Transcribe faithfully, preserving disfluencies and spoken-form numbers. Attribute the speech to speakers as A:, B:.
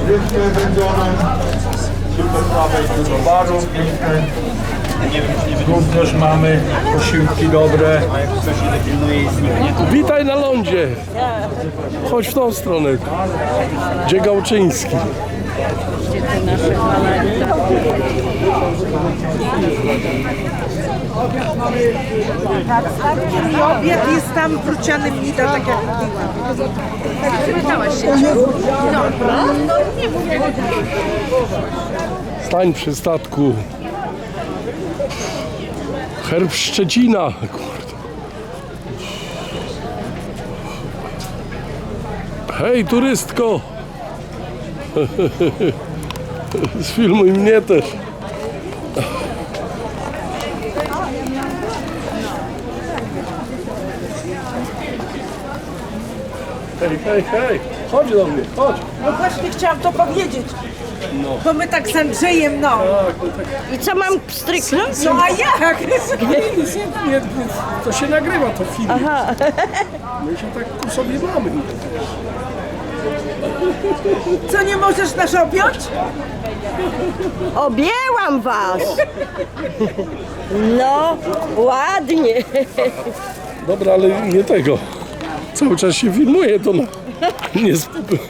A: Piękne wędzone. Super prawej do baru, piękne. Również mamy posiłki dobre.
B: Witaj na lądzie. Chodź w tą stronę. Gdzie Gałczyński?
C: Obiad jest tam w Rucianym Nida, tak jak mówiłam.
B: Stań przy statku. Herb Szczecina. Kurde. Hej, turystko. Sfilmuj mnie też. Hej, hej, hej. Chodź do mnie, chodź.
C: No właśnie chciałam to powiedzieć. Bo my tak z Andrzejem, no.
D: I co mam stryknąć?
C: No a jak?
B: Nic, nie, nie, to się nagrywa, to film. My się tak ku sobie mamy.
C: Co, nie możesz nas objąć?
D: Objęłam was! No, ładnie.
B: Dobra, ale nie tego. Cały czas się filmuje, to no, nie, sp-